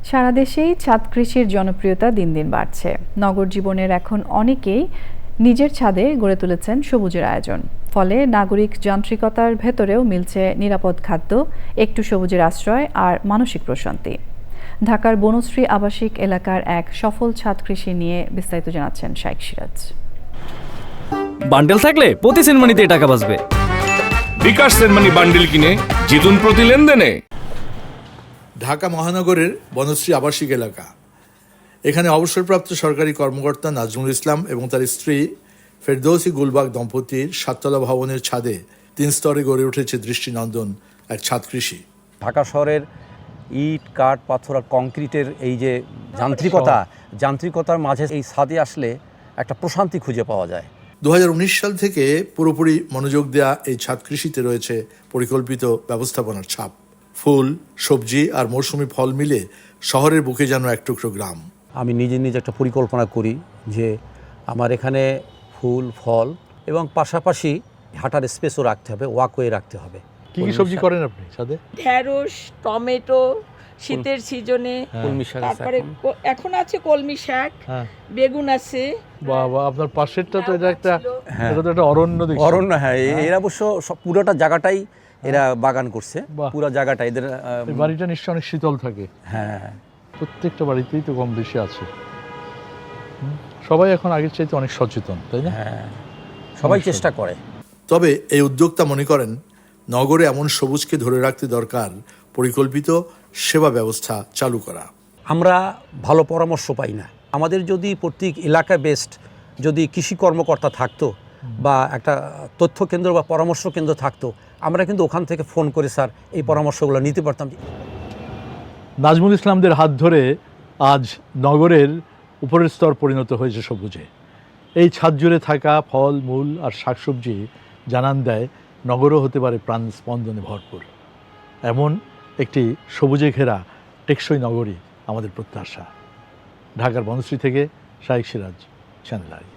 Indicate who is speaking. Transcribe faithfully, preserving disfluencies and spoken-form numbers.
Speaker 1: সারা দেশেই ছাদ কৃষির জনপ্রিয়তা দিন দিন বাড়ছে। নগর জীবনের এখন অনেকেই নিজের ছাদে গড়ে তুলেছেন সবুজের আয়োজন। ফলে নাগরিক যান্ত্রিকতার ভেতরেও মিলছে নিরাপদ খাদ্য, একটু সবুজের আশ্রয় আর মানসিক প্রশান্তি। ঢাকার বনশ্রী আবাসিক এলাকার এক সফল ছাদ কৃষি নিয়ে বিস্তারিত জানাচ্ছেন শাইখ সিরাজ।
Speaker 2: বান্ডেল থাকলে প্রতি সেনমানিতে টাকা বাঁচবে।
Speaker 3: বিকাশ সেনমানি বান্ডেল কিনে জিতুন প্রতি লেনদেনে।
Speaker 4: ঢাকা মহানগরের বনশ্রী আবাসিক এলাকা। এখানে অবসরপ্রাপ্ত সরকারি কর্মকর্তা নাজমুল ইসলাম এবং তার স্ত্রী ফেরদৌসী গুলবাগ দম্পতির সাততলা ভবনের ছাদে তিন স্তরে গড়ে উঠেছে দৃষ্টিনন্দন এক ছাদ কৃষি।
Speaker 5: ঢাকা শহরের ইট, কাঠ, পাথর আর কংক্রিটের এই যে যান্ত্রিকতা যান্ত্রিকতার মাঝে এই ছাদে আসলে একটা প্রশান্তি খুঁজে পাওয়া যায়।
Speaker 4: দু হাজার উনিশ সাল থেকে পুরোপুরি মনোযোগ দেয়া এই ছাদ কৃষিতে রয়েছে পরিকল্পিত ব্যবস্থাপনার ছাপ। ফুল, সবজি আর মৌসুমি ফল মিলে শহরের বুকে যেন এক টুকরো গ্রাম।
Speaker 5: আমি নিজে নিজে একটা পরিকল্পনা করি যে আমার এখানে ফুল, ফল এবং পাশাপাশি হাঁটার স্পেসও রাখতে হবে, ওয়াকওয়ে রাখতে হবে।
Speaker 4: কি কি সবজি করেন আপনি ছাদে?
Speaker 6: ঢেঁড়স, টমেটো শীতের সিজনে,
Speaker 5: কলমি শাক,
Speaker 6: তারপরে এখন আছে কলমি শাক, বেগুন আছে।
Speaker 7: বাবা, আপনার পাশেরটা তো এটা একটা এটা তো একটা অরণ্য দেখছি।
Speaker 5: অরণ্য, হ্যাঁ। এরা অবশ্য পুরোটা জায়গাটাই এরা বাগান করছে, পুরো জায়গাটা এদের।
Speaker 7: বাড়িটা নিশ্চয়ই অনেক শীতল থাকে।
Speaker 5: হ্যাঁ,
Speaker 7: প্রত্যেকটা বাড়িতেই তো কম বেশি আছে। সবাই এখন আগের চাইতে অনেক সচেতন, তাই না?
Speaker 5: হ্যাঁ, সবাই চেষ্টা করে।
Speaker 4: তবে এই উদ্যোক্তা মনে করেন নগরে এমন সবুজকে ধরে রাখতে দরকার পরিকল্পিত সেবা ব্যবস্থা চালু করা।
Speaker 5: আমরা ভালো পরামর্শ পাই না। আমাদের যদি প্রত্যেক এলাকা বেসড যদি কৃষি কর্মকর্তা থাকতো বা একটা তথ্য কেন্দ্র বা পরামর্শ কেন্দ্র থাকতো, আমরা কিন্তু ওখান থেকে ফোন করে স্যার এই পরামর্শগুলো নিতে পারতাম।
Speaker 7: নাজমুল ইসলামদের হাত ধরে আজ নগরের উপরের স্তর পরিণত হয়েছে সবুজে। এই ছাদ জুড়ে থাকা ফল, মূল আর শাকসবজি জানান দেয় নগরও হতে পারে প্রাণ স্পন্দনে ভরপুর। এমন একটি সবুজে ঘেরা টেকসই নগরী আমাদের প্রত্যাশা। ঢাকার বনশ্রী থেকে শাইখ সিরাজ, চ্যানেল আই।